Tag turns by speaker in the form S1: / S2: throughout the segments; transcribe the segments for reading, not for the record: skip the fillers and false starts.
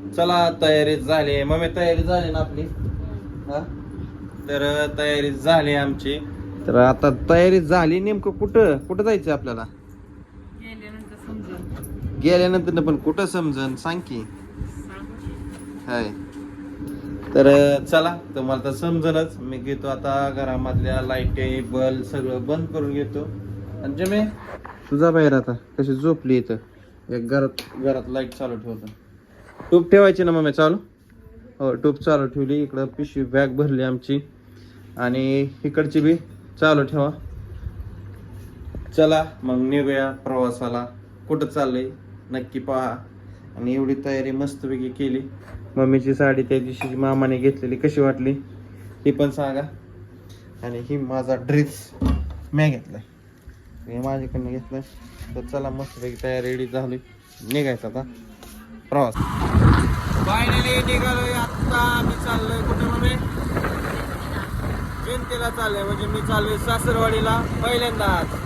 S1: चला तयारी झाली मम्मी, तयारी झाली ना आपली. हा तर तयारी झाली आमची. तर आता तयारी झाली, नेमकं कुठं कुठं जायचं आपल्याला? गेल्यानंतर पण कुठं समजन सांग की. हाय तर चला, तुम्हाला तर समजणच. मी घेतो आता घरामधल्या लाईटी बल्ब सगळं बंद करून घेतो. आणि जमे तुझा बाहेर आता कशी झोपली इथं. एक घरात लाईट चालू ठेवतो. टूप ठेवायची ना मम्मी चालू? हो टूप चालू ठेवली. इकडं पिशवी बॅग भरली आमची आणि इकडची बी चालू ठेवा. चला मग निघूया प्रवासाला. कुठं चाललंय नक्की पहा. आणि एवढी तयारी मस्तपैकी केली. मम्मीची साडी त्या दिवशी मामाने घेतलेली कशी वाटली ती पण सांगा. आणि ही माझा ड्रेस मी घेतलाय, हे माझ्याकडनं घेतलाय. तर चला मस्तपैकी तयारी रेडी झाली, निघायचं आता प्रवास. फायनली निघालोय आता. मी चाललोय कुठे मम्मी? जयंतीला चाललोय. म्हणजे मी चाललोय सासरवाडीला पहिल्यांदाच.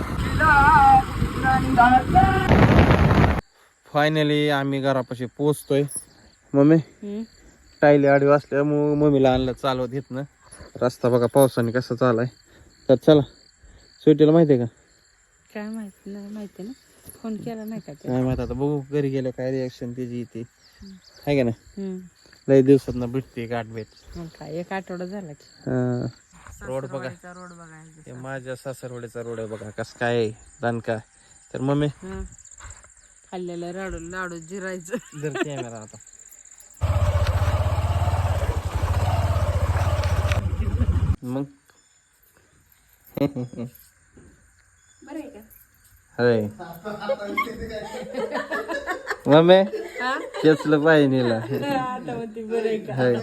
S1: फायनली आम्ही घरापाशी पोहोचतोय. मम्मी टायली आडी वाचल्यामुळे मम्मीला आणलं चालवत येत ना. रस्ता बघा पावसाने कसा चालाय. तर चला, सुट्टीला माहितीये का?
S2: काय माहिती नाही, माहिती ना, फोन केला नाही का?
S1: काय माहित, आता बघू घरी गेलं काय रिॲक्शन त्याची येते. आहे का ना, लई दिवसात ना भेटते गाठ भेट.
S2: काय एक आठवडा झाला की.
S1: रोड बघा,
S2: रोड बघायचा.
S1: ते माझ्या सासरवाडीचा रोड आहे बघा कस काय दणका. तर मम्मी
S2: खाल्लेलं लाडू लाडू जिरायचं.
S1: जर कॅमेरा आता मग
S2: बरं आहे का?
S1: अरे मम्मी तेचलं पाहिजे नीला.
S2: आता म्हणते बरं आहे का?
S1: होय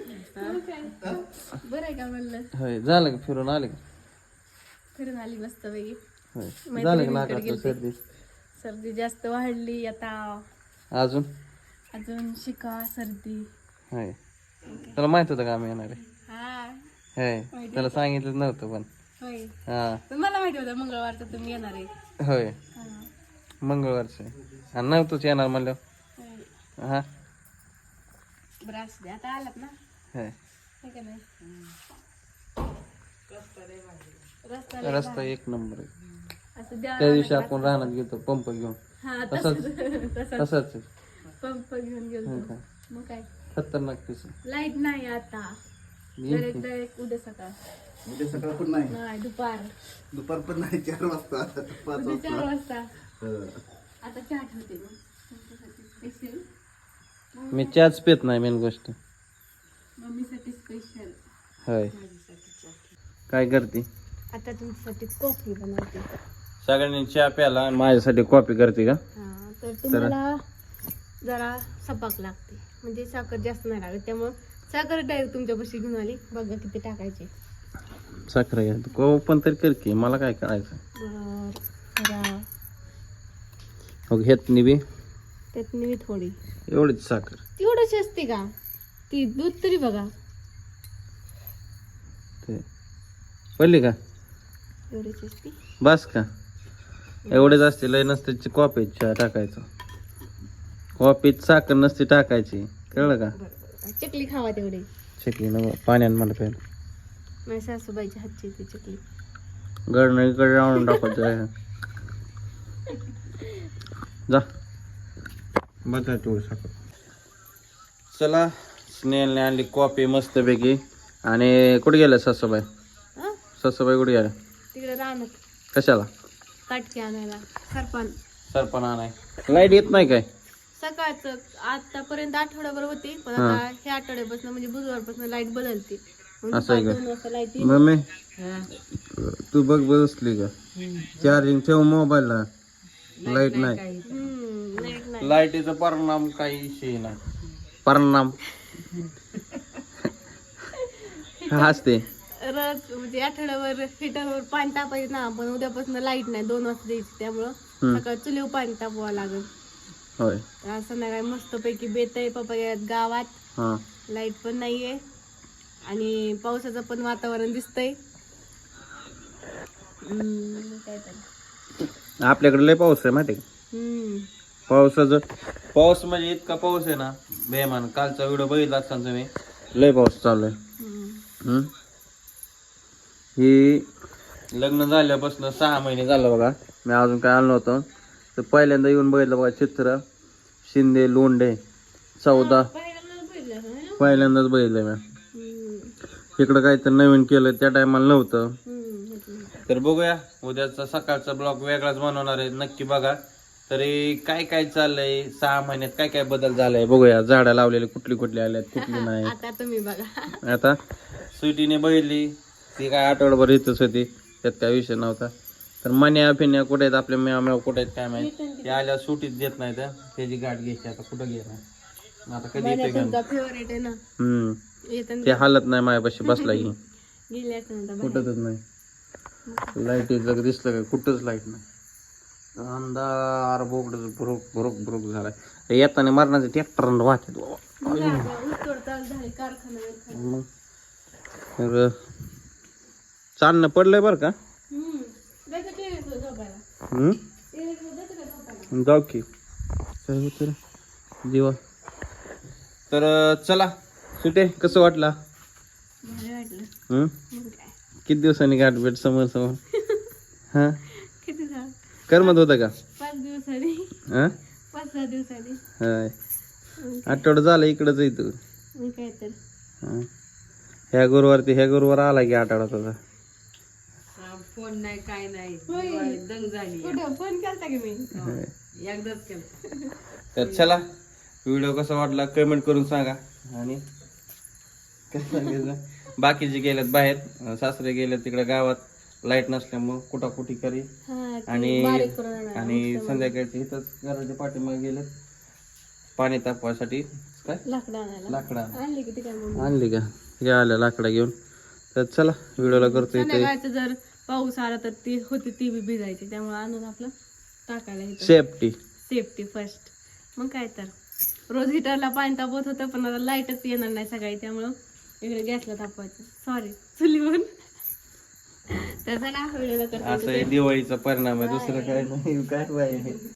S2: बरं आहे का म्हणलं?
S1: होय, झालं का फिरून आले का?
S2: फिरून आली मस्त पैकी.
S1: होय झालं का नाकातलं सर्दी?
S2: सर्दी जास्त वाढली आता.
S1: अजून
S2: अजून शिका सर्दी.
S1: होय, तुला माहित होतं का आम्ही येणार आहे?
S2: हा
S1: होय, त्याला सांगितलं नव्हतं पण.
S2: होय,
S1: हा
S2: पण मला माहिती होतं मंगळवारचं तुम्ही येणार आहे.
S1: होय,
S2: हा.
S1: मंगळवारचं आणि नव्हतंच येणार म्हणलं.
S2: होय.
S1: हा
S2: बरं असू दे, आता आलात ना.
S1: होय,
S2: हे का नाही? रस्ता लय
S1: रस्ता
S2: भारी.
S1: एक नंबर आहे.
S2: असं द्या
S1: त्या दिवशी आपण रानात गेलो पंप घेऊन.
S2: हा
S1: तसंच
S2: तसंच पंप घेऊन गेलो.
S1: का?
S2: मग काय,
S1: खतरनाक तसं.
S2: लाईट नाही आता. डायरेक्ट उद्या सकाळ.
S3: उद्या सकाळ पण नाही,
S2: नाही
S3: दुपार पण नाही, 4 वाजता 5
S2: उद्या 4
S3: वाजता.
S2: वाजता. आता चहा ठेवते मग तुमच्यासाठी स्पेशल.
S1: मी चहाच पित नाही मेन गोष्ट.
S2: मम्मीसाठी स्पेशल.
S1: होय, काय करते?
S2: आता तुमच्यासाठी कॉफी बनवते.
S1: सगळ्यांनी चहा प्याला आणि माझ्यासाठी कॉफी करते का?
S2: हा, तर तुम्हाला जरा सपाक लागते, म्हणजे साखर जास्त नाही लागत. त्यामुळं साखर डायरेक्ट तुमच्यापाशी घेऊन आली. बघा किती टाकायचे.
S1: साखर घ्या, को पण तरी कर की, मला काय करायचं.
S2: जरा
S1: हो घेत निबी
S2: त्यात मी थोडी
S1: एवढीच साखर.
S2: तेवढंच असते का? ती दूध तरी बघा.
S1: ते पडली का?
S2: एवढीच असते.
S1: बस का? एवढेच असते, लय नसते. कॉफीत चहा टाकायचं, कॉफीत साखर नसते टाकायची, कळलं का?
S2: चकली खावा तेवढी.
S1: चकली ना पाण्यानं मला प्यायला.
S2: माझ्या सासूबाईच्या हातची ती चकली.
S1: गडनं इकडे राहून टाकायचं. जा बघा तेवढी साखर. चला, स्नेहलने आणली कॉफी मस्तपैकी. आणि कुठे गेल्या सासूबाई?
S2: हा,
S1: सासूबाई कुठे गेल्या?
S2: तिकडे राहणार
S1: कशाला?
S2: काटकी आणायला.
S1: सरपण आणाय. लाईट येत नाही काय?
S2: सकाळचं आतापर्यंत आठवड्याभर होती, पण आता ह्या आठवड्यापासून म्हणजे बुधवारपासून लाईट बदलते.
S1: असं आहे का?
S2: 2 वाजता लाईट
S1: मम्मी तू बघ बसली का? चार्जिंग ठेव मोबाईलला. लाईट नाही.
S2: लाईट नाही.
S1: लाईटीचा परिणाम काही विषय नाही. परिणाम हसते.
S2: रस म्हणजे आठवड्यावर हिटरवर पाणी तापायचं ना, पण उद्यापासून लाईट नाही. 2 वाजता द्यायची, त्यामुळं सकाळ चुलीवर पाणी तापवावं लागेल.
S1: होय,
S2: संध्याकाळी मस्त पैकी बेत आहे पप्पा गावात.
S1: हा
S2: लाईट पण नाहीये आणि पावसाचं पण वातावरण दिसतंय. काय तर
S1: आपल्याकडे लय पाऊस आहे माहिती का? पाऊस म्हणजे इतका पाऊस आहे ना बेमान. कालचा व्हिडिओ बघितला असताना तुम्ही, लय पाऊस चालू आहे.
S2: हम्म.
S1: ही लग्न झाल्यापासून 6 महिने झालं बघा, मी अजून काय आलो नव्हतो. तर पहिल्यांदा येऊन बघितलं बघा चित्र, शिंदे लोंढे 14
S2: पहिल्यांदाच बघितलं असं ना?
S1: पहिल्यांदाच बघितलं मी.
S2: हम्म.
S1: इकडं काहीतरी नवीन केलं त्या टायमाला नव्हतं.
S2: हम्म.
S1: तर बघूया उद्याचा सकाळचा ब्लॉग वेगळाच बनवणार आहे, नक्की बघा. तरी काय काय चाललंय 6 महिन्यात, काय काय बदल झालाय बघूया. झाडं लावलेले कुठली कुठली आल्यात कुठली नाही.
S2: आता तुम्ही बघा.
S1: आता स्वीटीने बघितली, ती काय आठवडाभर इथंच होती, त्यात काय विषय नव्हता. तर मन्या फिन्या कुठे आहेत, आपले मेव कुठे आहेत काय माहिती. ते आल्या सुटीत देत नाही तर त्याची गाठ घ्यायची. आता कुठं घेणार आता, कधी येते का.
S2: तुमचा फेवरेट आहे ना. येतं
S1: ते हालत नाही माझ्यापाशी बसला की
S2: गेले असं ना
S1: कुठंच नाही. लाईट जग दिसलं का, कुठंच लाईट नाही. अंधार बोगड भुरुक भुरुक भुरुक झालाय. येताना मरणाचे ट्रॅक्टर वाहतात
S2: झाले कारखाना.
S1: मग तर चालणं पडलंय बरं का. जाऊ की काय होत जीवा. तर चला सुटे, कसं वाटला.
S2: भारी वाटलं.
S1: हम्म,
S2: मग काय
S1: किती दिवसांनी गाठ भेट समोर समोर. हा,
S2: किती झालं?
S1: करमत होतं का.
S2: 5 दिवसांनी,
S1: हा
S2: 5-6 दिवसांनी.
S1: हाय, आठवडा झाला इकडंच येतो.
S2: मग काय तर.
S1: ह्या गुरुवार आला की आठवडा तुझा.
S4: फोन नाही काय नाही,
S2: होय.
S4: दंग झाली.
S2: कुठं फोन केलता की मी?
S4: एकदाच केलं.
S1: तर चला, व्हिडिओ कसा वाटला कमेंट करून सांगा. आणि काय सांगायचं, बाकीचे गेलेत बाहेर, सासरे गेलेत तिकडे गावात, लाईट नसल्यामुळं कुटाकुटी करी.
S2: हा, ते
S1: आणि
S2: बारीक करून आणा.
S1: आणि संध्याकाळचे इथंच घराच्या पाठीमागे गेलेत पाणी तापवासाठी. काय
S2: लाकडं आणायला
S1: लाकडा
S2: आणली किती काय मग.
S1: आणली का, या आल्या लाकडा घेऊन. तर चला व्हिडिओला करतो इथे
S2: संध्याकाळचं जर पाऊस आला तर ती होती, ती बी भिजायची. त्यामुळे आणून आपलं टाकायला येतं. Safety first. मग काय तर, रोज हिटरला पाणी तापवत होतं, पण आता लाईटच येणार नाही सकाळी, त्यामुळं इकडे गॅसला तापवायचं. सॉरी, चुलीवर. तर चला व्हिडिओला करतो.
S1: असं दिवाळीचा परिणाम आहे, दुसरं काय नाही. काय पाहिजे.